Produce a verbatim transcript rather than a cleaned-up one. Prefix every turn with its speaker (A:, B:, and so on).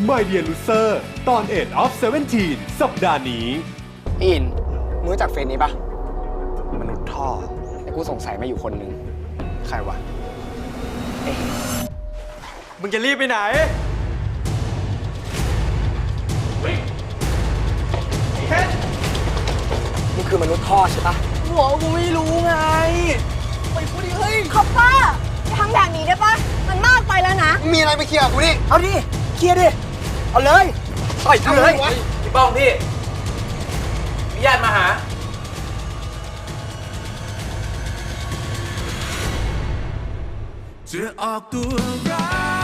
A: My Dear Loser ตอน เอ็ด of เซเว่นทีน สัปดาห์นี้
B: อินมึงรู้จักเฟซนี้ปะมนุษย์ท่อแต่กูสงสัยมาอยู่คนหนึ่งใครวะเอ๊ะมึงจะรีบไปไหนมึงคือมนุษย์ท่อใช่ปะหัวกูไม่รู้ไงไปพูดดิเฮ้ย
C: คอปเปอร์อย่าทำแบบนี้ได้ปะมันมากไปแล้วนะ
B: มีอะไรไปเคลียร์กูดิเอาดิเคลียร์ดิเอาเลยต่อยเลยพี่ป้องพี่มีญาติมาหา
D: จะออกตัวร้าย